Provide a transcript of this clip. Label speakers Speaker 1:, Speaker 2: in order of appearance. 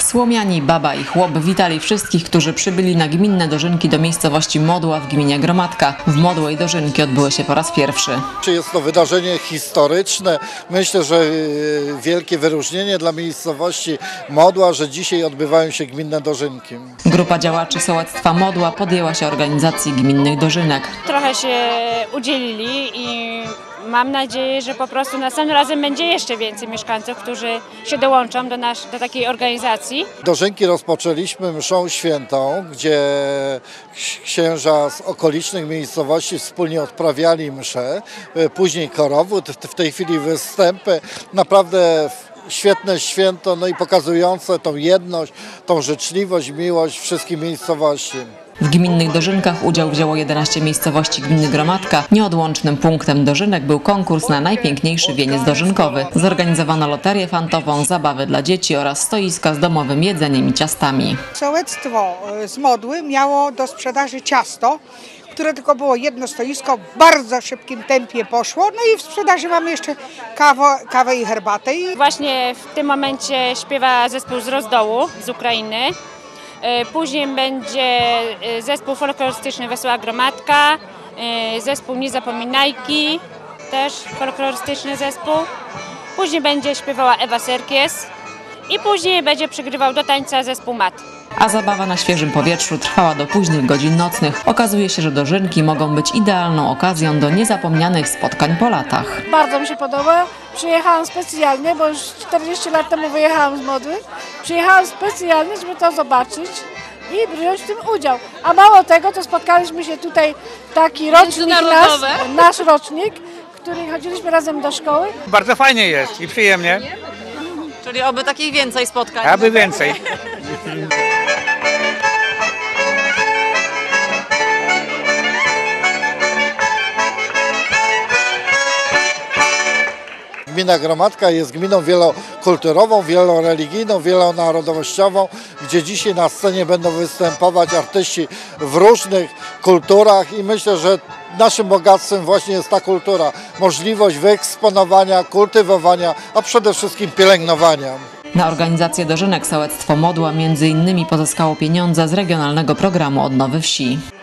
Speaker 1: Słomiani, baba i chłop witali wszystkich, którzy przybyli na gminne dożynki do miejscowości Modła w gminie Gromadka. W Modłej dożynki odbyły się po raz pierwszy.
Speaker 2: Jest to wydarzenie historyczne. Myślę, że wielkie wyróżnienie dla miejscowości Modła, że dzisiaj odbywają się gminne dożynki.
Speaker 1: Grupa działaczy sołectwa Modła podjęła się organizacji gminnych dożynek.
Speaker 3: Trochę się udzielili i mam nadzieję, że po prostu następnym razem będzie jeszcze więcej mieszkańców, którzy się dołączą do takiej organizacji.
Speaker 2: Dożynki rozpoczęliśmy mszą świętą, gdzie księża z okolicznych miejscowości wspólnie odprawiali mszę, później korowód, w tej chwili występy. Naprawdę świetne święto, no i pokazujące tą jedność, tą życzliwość, miłość wszystkich miejscowości.
Speaker 1: W gminnych dożynkach udział wzięło 11 miejscowości gminy Gromadka. Nieodłącznym punktem dożynek był konkurs na najpiękniejszy wieniec dożynkowy. Zorganizowano loterię fantową, zabawy dla dzieci oraz stoiska z domowym jedzeniem i ciastami.
Speaker 4: Sołectwo z Modły miało do sprzedaży ciasto, które tylko było jedno stoisko, w bardzo szybkim tempie poszło. No i w sprzedaży mamy jeszcze kawę i herbatę.
Speaker 3: Właśnie w tym momencie śpiewa zespół z Rozdołu, z Ukrainy. Później będzie zespół folklorystyczny Wesoła Gromadka, zespół Niezapominajki, też folklorystyczny zespół. Później będzie śpiewała Ewa Serkies i później będzie przygrywał do tańca zespół Mat.
Speaker 1: A zabawa na świeżym powietrzu trwała do późnych godzin nocnych. Okazuje się, że dożynki mogą być idealną okazją do niezapomnianych spotkań po latach.
Speaker 5: Bardzo mi się podoba. Przyjechałam specjalnie, bo już 40 lat temu wyjechałam z Modły. Przyjechałam specjalnie, żeby to zobaczyć i wziąć w tym udział. A mało tego, to spotkaliśmy się tutaj taki rocznik nasz rocznik, który chodziliśmy razem do szkoły.
Speaker 6: Bardzo fajnie jest i przyjemnie.
Speaker 1: Czyli oby takich więcej spotkań.
Speaker 6: Aby więcej.
Speaker 2: Gmina Gromadka jest gminą wielokulturową, wieloreligijną, wielonarodowościową, gdzie dzisiaj na scenie będą występować artyści w różnych kulturach i myślę, że naszym bogactwem właśnie jest ta kultura, możliwość wyeksponowania, kultywowania, a przede wszystkim pielęgnowania.
Speaker 1: Na organizację dożynek sołectwo Modła m.in. pozyskało pieniądze z regionalnego programu Odnowy Wsi.